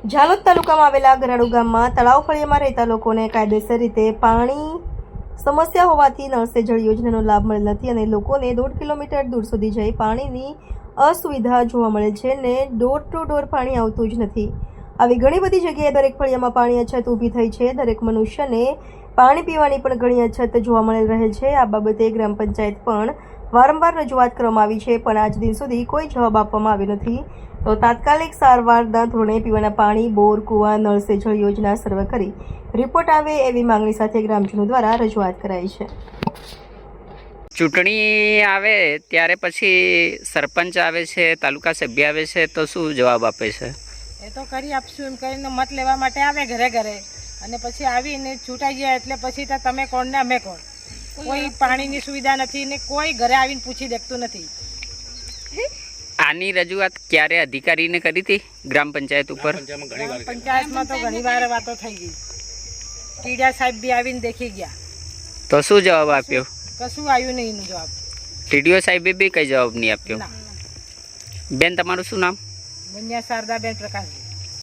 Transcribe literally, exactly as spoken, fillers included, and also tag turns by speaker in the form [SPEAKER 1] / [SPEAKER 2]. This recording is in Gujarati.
[SPEAKER 1] ઝાલોદ તાલુકામાં આવેલા ગરાડુ ગામમાં તળાવ ફળિયામાં રહેતા લોકોને કાયદેસર રીતે પાણી સમસ્યા હોવાથી નળ સે જળ યોજનાનો લાભ મળેલ નથી અને લોકોને દોઢ કિલોમીટર દૂર સુધી જઈ પાણીની અસુવિધા જોવા મળે છે ને ડોર ટુ ડોર પાણી આવતું જ નથી। આવી ઘણી બધી જગ્યાએ દરેક ફળિયામાં પાણી અછત ઊભી થઈ છે। દરેક મનુષ્યને પાણી પીવાની પણ ઘણી અછત જોવા મળેલ રહે છે। આ બાબતે ગ્રામ પંચાયત પણ વારંવાર રજૂઆત કરવામાં આવી છે પણ આજ દિન સુધી કોઈ જવાબ આપવામાં આવ્યો નથી। તો તાત્કાલિક સારવારના ધોરણે પીવાના પાણી બોર કુવા નળ સે જળ યોજના સર્વે કરી રિપોર્ટ આવે એવી માંગણી સાથે ગ્રામજનો દ્વારા રજૂઆત કરાઈ છે।
[SPEAKER 2] ચૂંટણી આવે ત્યારે પછી સરપંચ આવે છે, તાલુકા સભ્ય આવે છે, તો શું જવાબ આપે છે?
[SPEAKER 3] એ તો કરી આપશું એમ કરીને મત લેવા માટે આવે ઘરે ઘરે અને પછી આવીને ચૂંટાઈ ગયા એટલે પછી તો તમે કોણ ને અમે કોણ, કોઈ પાણીની સુવિધા નથી ને કોઈ ઘરે આવીને પૂછી દેખતું નથી।
[SPEAKER 2] આની રજૂઆત ક્યારે અધિકારીને કરી હતી ગ્રામ પંચાયત ઉપર?
[SPEAKER 3] ગ્રામ પંચાયતમાં તો ઘણી વાર વાતો થઈ ગઈ, ટીડિયા સાહેબ બી આવીને દેખી ગયા,
[SPEAKER 2] તો શું જવાબ આપ્યો?
[SPEAKER 3] કશું આવ્યું નહીં એનો જવાબ।
[SPEAKER 2] ટીડીઓ સાહેબે બી કઈ જવાબ નહીં આપ્યો?
[SPEAKER 3] ના।
[SPEAKER 2] બેન, તમારું શું નામ?
[SPEAKER 3] બન્યા શારદાબેન પ્રકાશજી।